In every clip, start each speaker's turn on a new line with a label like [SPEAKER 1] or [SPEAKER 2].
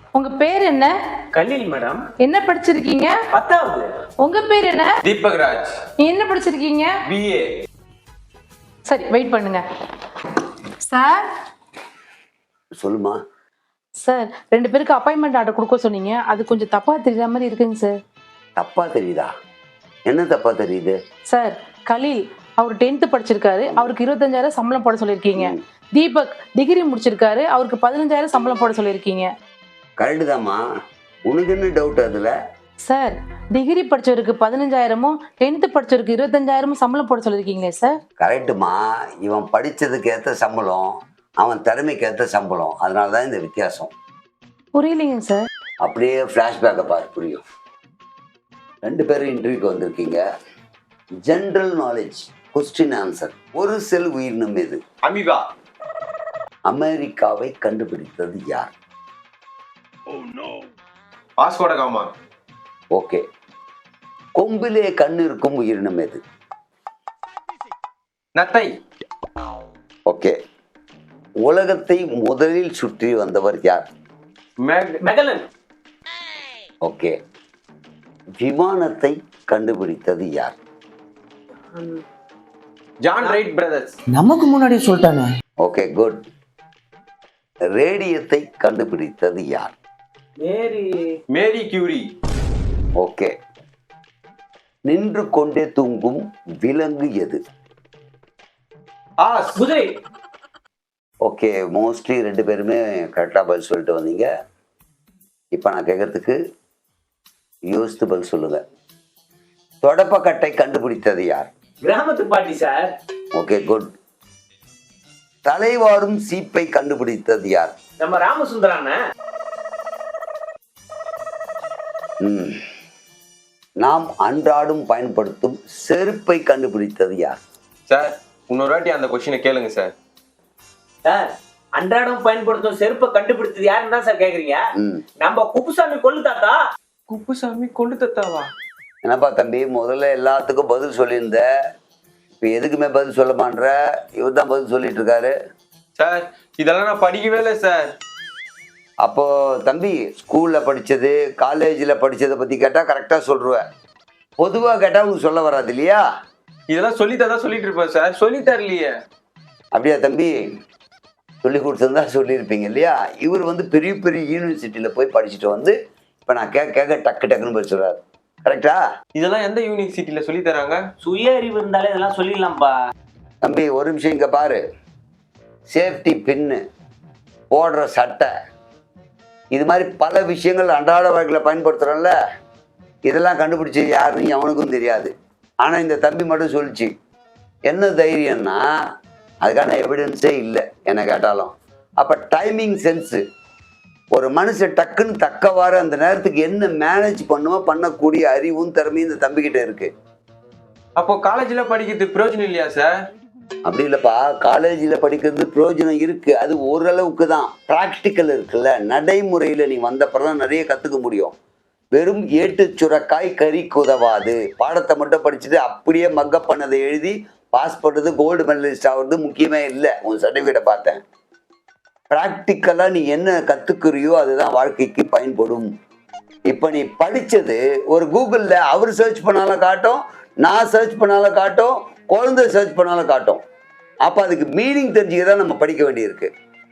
[SPEAKER 1] உங்க பேர் என்ன?
[SPEAKER 2] கலீல் மேடம்.
[SPEAKER 1] என்ன படிச்சிருக்கீங்க?
[SPEAKER 2] 10வது.
[SPEAKER 1] உங்க பேர் என்ன?
[SPEAKER 3] தீபக்ராஜ்.
[SPEAKER 1] நீ என்ன படிச்சிருக்கீங்க?
[SPEAKER 3] BA.
[SPEAKER 1] சரி, வெயிட் பண்ணுங்க. சார்.
[SPEAKER 4] சொல்லுமா.
[SPEAKER 1] சார், 2 பேருக்கு அப்பாயின்மெண்ட் ஆர்டர் கொடுக்க சொன்னீங்க. அது கொஞ்சம் தப்பா தெரியுற மாதிரி இருக்குங்க சார்.
[SPEAKER 4] தப்பா தெரியுதா? என்ன தப்பா தெரியுது?
[SPEAKER 1] சார், கலீல் அவர் 10th படிச்சிருக்காரு, அவருக்கு 25,000 சம்பளம் போட சொல்லியிருக்கீங்க. தீபக் டிகிரி முடிச்சிருக்காரு, அவருக்கு 15,000 சம்பளம் போட சொல்லியிருக்கீங்க.
[SPEAKER 4] கரெக்டு தாம்மா. உனக்கு என்ன டவுட் அதுல?
[SPEAKER 1] சார், டிகிரி படிச்சவருக்கு 15,000மும் 10th படிச்சவருக்கு 25,000மும் சம்பளம் போட சொல்லியிருக்கீங்களே சார்.
[SPEAKER 4] கரெக்டுமா. இவன் படிச்சதுக்கு ஏற்ற சம்பளம், அவன் திறமைக்கு ஏற்ற சம்பளம், அதனால தான் இந்த வித்தியாசம்.
[SPEAKER 1] புரியலைங்க சார்.
[SPEAKER 4] அப்படியே ஃப்ளாஷ்பேக்கை பாரு, புரியும். 2 பேரும் இன்டர்வியூக்கு வந்திருக்கீங்க. General knowledge, question answer. ஒரு செல் உயிரினம் எது?
[SPEAKER 3] அமீபா.
[SPEAKER 4] அமெரிக்காவை கண்டுபிடித்தது யார்?
[SPEAKER 3] பாஸ்கோட காமா.
[SPEAKER 4] ஓகே. கொம்பிலே கண் இருக்கும் உயிரினம் எது?
[SPEAKER 3] நத்தை.
[SPEAKER 4] ஓகே. உலகத்தை முதலில் சுற்றி வந்தவர் யார்?
[SPEAKER 2] மெகலன்.
[SPEAKER 4] ஓகே. விமானத்தை கண்டுபிடித்தது யார்?
[SPEAKER 3] John Wright brothers.
[SPEAKER 2] நமக்கு முன்னாடி சொல்லிட்டானே.
[SPEAKER 4] Okay, good. ரேடியத்தை கண்டுபிடித்தது யார்?
[SPEAKER 3] Marie Curie.
[SPEAKER 4] ஓகே. நின்று கொண்டே தூங்கும் விலங்கு எது?
[SPEAKER 2] குதிரை.
[SPEAKER 4] ஓகே, மோஸ்ட்லி 2 பேருமே கரெக்டாக பதில் சொல்லிட்டு வந்தீங்க. இப்போ நான் கேட்கறதுக்கு யோசித்து பதில் சொல்லுங்க. தொடப்பக்கட்டை கண்டுபிடித்தது யார்?
[SPEAKER 2] கிராமத்து பாட்டி சார்.
[SPEAKER 4] Okay, good. தலைவாரும் சீப்பை கண்டுபிடித்தது யார்?
[SPEAKER 2] நம்ம ராமசுந்தரான.
[SPEAKER 4] நாம் அன்றாடம் பயன்படுத்தும் செருப்பை கண்டுபிடித்தது யார்?
[SPEAKER 3] சார், இன்னொரு வாட்டி அந்த கொஸ்டினை கேளுங்க சார்.
[SPEAKER 2] சார், அன்றாடம் பயன்படுத்தும் செருப்பை கண்டுபிடித்தது யாருன்னு தான் சார் கேக்குறீங்க? நம்ம குப்புசாமி கொள்ளு தாத்தா.
[SPEAKER 3] குப்புசாமி கொண்டு தத்தாவா?
[SPEAKER 4] என்னப்பா தம்பி, முதல்ல எல்லாத்துக்கும் பதில் சொல்லியிருந்த, இப்போ எதுக்குமே பதில் சொல்ல மாட்ற? இவர் தான் பதில் சொல்லிட்டு இருக்காரு.
[SPEAKER 3] சார், இதெல்லாம் நான் படிக்கவே இல்லை சார்.
[SPEAKER 4] அப்போ தம்பி, ஸ்கூலில் படித்தது காலேஜில் படித்ததை பற்றி கேட்டால் கரெக்டாக சொல்லுவேன். பொதுவாக கேட்டால் உங்களுக்கு சொல்ல வராது இல்லையா?
[SPEAKER 3] இதெல்லாம் சொல்லித்தான் சொல்லிட்டு இருப்பேன் சார். சொல்லி தரலையே.
[SPEAKER 4] அப்படியா தம்பி? சொல்லி கொடுத்துருந்தா சொல்லியிருப்பீங்க இல்லையா? இவர் வந்து பெரிய பெரிய யூனிவர்சிட்டியில் போய் படிச்சுட்டு வந்து இப்போ நான் கேட்க டக்கு டக்குன்னு போய் சொல்கிறாரு. கரெக்டா?
[SPEAKER 3] இதெல்லாம் எந்த யூனிவர்சிட்டியில சொல்லி தராங்க?
[SPEAKER 2] சுய அறிவு இருந்தாலே இதெல்லாம் சொல்லிடலாம்ப்பா.
[SPEAKER 4] தம்பி, ஒரு நிமிஷம் இங்கே பாரு. சேஃப்டி பின்னு, போடுற சட்டை, இது மாதிரி பல விஷயங்கள் அன்றாட வாழ்க்கையில் பயன்படுத்துகிறோம்ல, இதெல்லாம் கண்டுபிடிச்சி யாருன்னு அவனுக்கும் தெரியாது. ஆனால் இந்த தம்பி மட்டும் சொல்லிச்சு. என்ன தைரியம்னா அதுக்கான எவிடன்ஸே இல்லை என்ன கேட்டாலும். அப்போ டைமிங் சென்ஸு, ஒரு மனுஷன் டக்குன்னு தக்கவாறு அந்த நேரத்துக்கு என்ன மேனேஜ் பண்ணக்கூடிய அறிவும் திறமையும் இந்த தம்பிக்கிட்ட இருக்கு.
[SPEAKER 3] அப்போ காலேஜில் படிக்கிறது பிரயோஜனம் இல்லையா சார்?
[SPEAKER 4] அப்படி இல்லைப்பா, காலேஜில் படிக்கிறது பிரயோஜனம் இருக்கு. அது ஓரளவுக்கு தான். ப்ராக்டிக்கல் இருக்குல்ல, நடைமுறையில் நீ வந்தப்பறம் தான் நிறைய கற்றுக்க முடியும். வெறும் ஏட்டு சுரக்காய் கறிக்கு உதவாது. பாடத்தை மட்டும் படிச்சுட்டு அப்படியே மக்கப் பண்ணதை எழுதி பாஸ் பண்ணுறது, கோல்டு மெடலிஸ்ட் ஆகிறது முக்கியமே இல்லை. உன் சர்டிஃபிகேட்டை பார்த்தேன். ப்ராக்டிக்கலாக நீ என்ன கற்றுக்குறியோ அதுதான் வாழ்க்கைக்கு பயன்படும். இப்போ நீ படித்தது ஒரு கூகுளில் அவர் சர்ச் பண்ணாலும் காட்டும், நான் சர்ச் பண்ணாலும் காட்டும், குழந்தை சர்ச் பண்ணாலும் காட்டும். அப்போ அதுக்கு மீனிங் தெரிஞ்சுக்க தான் நம்ம படிக்க வேண்டியிருக்கு.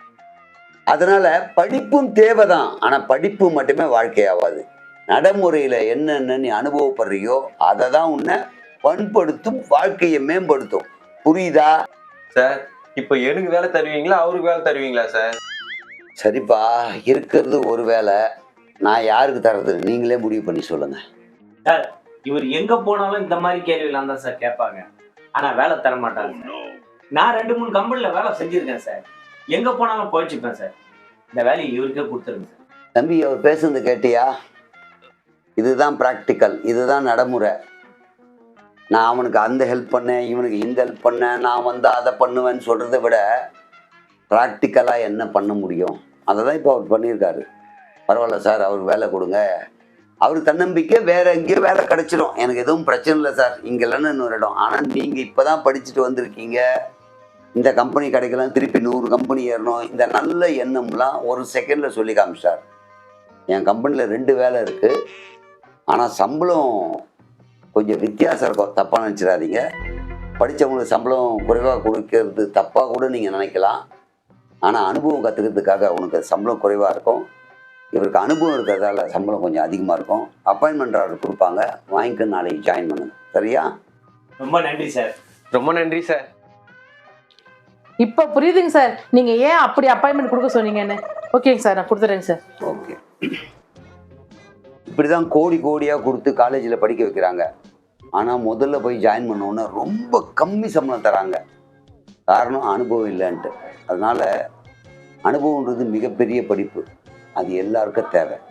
[SPEAKER 4] அதனால் படிப்பும் தேவை தான். ஆனால் படிப்பு மட்டுமே வாழ்க்கையாகாது. நடைமுறையில் என்னென்ன நீ அனுபவப்படுறியோ அதை தான் உன்னை பண்படுத்தும், வாழ்க்கையை மேம்படுத்தும். புரியுதா
[SPEAKER 3] சார்? இப்போ எனக்கு வேலை தருவீங்களா, அவருக்கு வேலை தருவீங்களா சார்?
[SPEAKER 4] சரிப்பா, இருக்கிறது ஒரு வேலை. நான் யாருக்கு தர்றது நீங்களே முடிவு பண்ணி சொல்லுங்க.
[SPEAKER 2] சார், இவர் எங்க போனாலும் இந்த மாதிரி கேள்வியெல்லாம் தான் சார் கேட்பாங்க. ஆனா வேலை தர மாட்டாங்க. நான் 2-3 கம்பெனில வேலை செஞ்சிருக்கேன் சார். எங்க போனாலும் போயிச்சுப்பேன் சார். இந்த வேலையை இவருக்கே கொடுத்துருங்க சார்.
[SPEAKER 4] தம்பி, அவர் பேசுறது கேட்டியா? இதுதான் ப்ராக்டிக்கல், இதுதான் நடைமுறை. நான் அவனுக்கு அந்த ஹெல்ப் பண்ணேன், இவனுக்கு இந்த ஹெல்ப் பண்ணேன், நான் வந்து அதை பண்ணுவேன்னு சொல்கிறத விட ப்ராக்டிக்கலாக என்ன பண்ண முடியும் அதை தான் இப்போ அவர் பண்ணியிருக்காரு. பரவாயில்ல சார், அவருக்கு வேலை கொடுங்க. அவருக்கு தன்னம்பிக்கை, வேறு எங்கேயோ வேலை கிடச்சிடும், எனக்கு எதுவும் பிரச்சனை இல்லை சார், இங்கே இல்லைன்னு இன்னொரு இடம். ஆனால் நீங்கள் இப்போ தான் படிச்சுட்டு வந்திருக்கீங்க, இந்த கம்பெனி கிடைக்கலாம், திருப்பி 100 கம்பெனி ஏறணும், இந்த நல்ல எண்ணம்லாம் ஒரு செகண்டில் சொல்லி காமிச்சார். என் கம்பெனியில் 2 வேலை இருக்குது. ஆனால் சம்பளம் கொஞ்சம் வித்தியாசம் இருக்கும், தப்பாக நினச்சிடாதீங்க. படித்தவங்களுக்கு சம்பளம் குறைவாக கொடுக்கறது தப்பாக கூட நீங்கள் நினைக்கலாம். ஆனால் அனுபவம் கற்றுக்கிறதுக்காக உனக்கு சம்பளம் குறைவாக இருக்கும். இவருக்கு அனுபவம் இருக்கிறதால சம்பளம் கொஞ்சம் அதிகமாக இருக்கும். அப்பாயின்மெண்ட் ஆர்டர் கொடுப்பாங்க, வாங்கிக்க நாளைக்கு ஜாயின் பண்ணுங்க. சரியா?
[SPEAKER 2] ரொம்ப நன்றி சார்.
[SPEAKER 3] ரொம்ப நன்றி சார்.
[SPEAKER 1] இப்போ புரியுதுங்க சார் நீங்க ஏன் அப்படி அப்பாயின்மெண்ட் கொடுக்க சொன்னீங்கன்னு. ஓகேங்க சார், நான் கொடுத்துறேங்க சார்.
[SPEAKER 4] ஓகே. இப்படி தான் கோடி கோடியாக கொடுத்து காலேஜில் படிக்க வைக்கிறாங்க. ஆனால் முதல்ல போய் ஜாயின் பண்ணோன்னே ரொம்ப கம்மி சம்பளம் தராங்க. காரணம் அனுபவம் இல்லைன்ட்டு. அதனால் அனுபவன்றது மிகப்பெரிய படிப்பு, அது எல்லாருக்கும் தேவை.